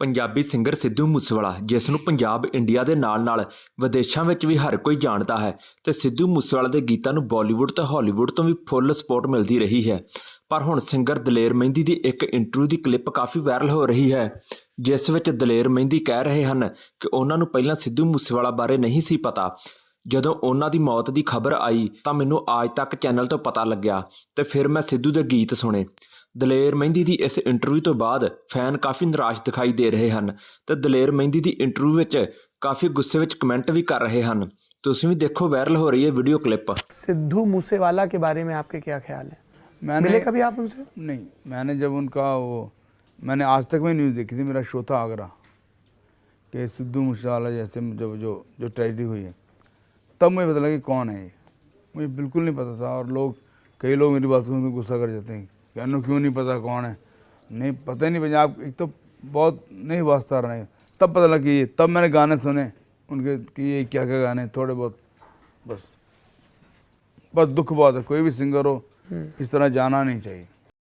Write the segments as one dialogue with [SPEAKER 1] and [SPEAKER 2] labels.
[SPEAKER 1] Punjabi singer Sidhu Moosewala जिस ਨੂੰ Punjab India ਦੇ ਨਾਲ-ਨਾਲ ਵਿਦੇਸ਼ਾਂ ਵਿੱਚ ਵੀ ਹਰ ਕੋਈ ਜਾਣਦਾ ਹੈ ਤੇ ਸਿੱਧੂ ਮੂਸੇਵਾਲਾ ਦੇ ਗੀਤਾਂ ਨੂੰ ਬਾਲੀਵੁੱਡ ਤੇ ਹਾਲੀਵੁੱਡ ਤੋਂ ਵੀ ਫੁੱਲ ਸਪੋਰਟ ਮਿਲਦੀ ਰਹੀ ਹੈ। ਪਰ ਹੁਣ ਸਿੰਗਰ ਦਲੇਰ ਮਹਿੰਦੀ ਦੀ ਇੱਕ ਇੰਟਰਵਿਊ ਦੀ ਕਲਿੱਪ ਕਾਫੀ ਵਾਇਰਲ ਹੋ ਰਹੀ ਹੈ ਜਿਸ ਵਿੱਚ ਦਲੇਰ ਮਹਿੰਦੀ ਕਹਿ ਰਹੇ ਹਨ ਕਿ ਉਹਨਾਂ ਨੂੰ ਪਹਿਲਾਂ ਸਿੱਧੂ ਮੂਸੇਵਾਲਾ ਬਾਰੇ ਨਹੀਂ ਸੀ ਪਤਾ। ਜਦੋਂ ਉਹਨਾਂ ਦੀ ਮੌਤ ਦੀ ਖਬਰ ਆਈ ਤਾਂ ਮੈਨੂੰ ਆਜ ਤੱਕ ਚੈਨਲ ਤੋਂ ਪਤਾ ਲੱਗਿਆ ਤੇ ਫਿਰ ਮੈਂ ਸਿੱਧੂ ਦੇ ਗੀਤ ਸੁਣੇ। ਦਲੇਰ ਮਹਿੰਦੀ ਦੀ ਇਸ ਇੰਟਰਵਿਊ ਤੋਂ ਬਾਅਦ ਫੈਨ ਕਾਫੀ ਨਿਰਾਸ਼ ਦਿਖਾਈ ਦੇ ਰਹੇ ਹਨ ਤੇ ਦਲੇਰ ਮਹਿੰਦੀ ਦੀ ਇੰਟਰਵਿਊ ਵਿੱਚ ਕਾਫੀ ਗੁੱਸੇ ਵਿੱਚ ਕਮੈਂਟ भी कर रहे हैं। तुसीं भी देखो वायरल हो रही है वीडियो क्लिप।
[SPEAKER 2] सिद्धू मूसेवाला के बारे में आपके क्या ख्याल है?
[SPEAKER 3] मिले
[SPEAKER 2] कभी आप उनसे?
[SPEAKER 3] नहीं, मैंने जब उनका मैंने आज तक में न्यूज़ देखी थी, मेरा शो था आगरा कि सिद्धू मूसेवाला जैसे जब जो ट्रेजिडी हुई है तब मुझे पता लगा कि कौन है ये। मुझे बिल्कुल नहीं पता था और कई लोग मेरी बात सुन के गुस्सा कर जाते हैं कि अनु क्यों नहीं पता कौन है। नहीं पता ही नहीं पंजाब एक तो बहुत नहीं वास्ता रहे, तब पता लगा कि ये, तब मैंने गाने सुने उनके कि ये क्या क्या गाने थोड़े बहुत बस दुख बहुत है। कोई भी सिंगर हो इस तरह जाना नहीं चाहिए।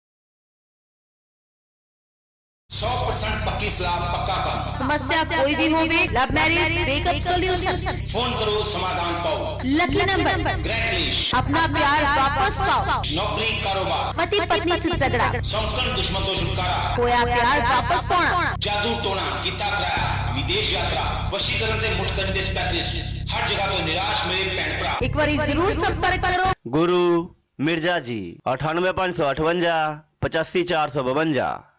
[SPEAKER 4] 100% पक्की सलाह पक्का काम।
[SPEAKER 5] समस्या कोई भी हो, love marriage breakup solution,
[SPEAKER 4] phone करो समाधान पाओ।
[SPEAKER 5] लकी नंबर,
[SPEAKER 4] ग्रेट लिस्ट,
[SPEAKER 5] अपना प्यार वापस पाओ,
[SPEAKER 4] नौकरी कारोबार,
[SPEAKER 5] पति पत्नी से झगड़ा,
[SPEAKER 4] संस्करण दुश्मन तो छुटकारा,
[SPEAKER 5] खोया प्यार वापस पाना,
[SPEAKER 4] जादू टोना कीता कराया, विदेश यात्रा, वशीकरण दे मुठ करने दे स्पेशलिस्ट, हर जगह तो निराश मेरे भैन भरा।
[SPEAKER 5] एक बार जरूर संपर्क करो।
[SPEAKER 6] गुरु मिर्जा जी 98 558 85 452।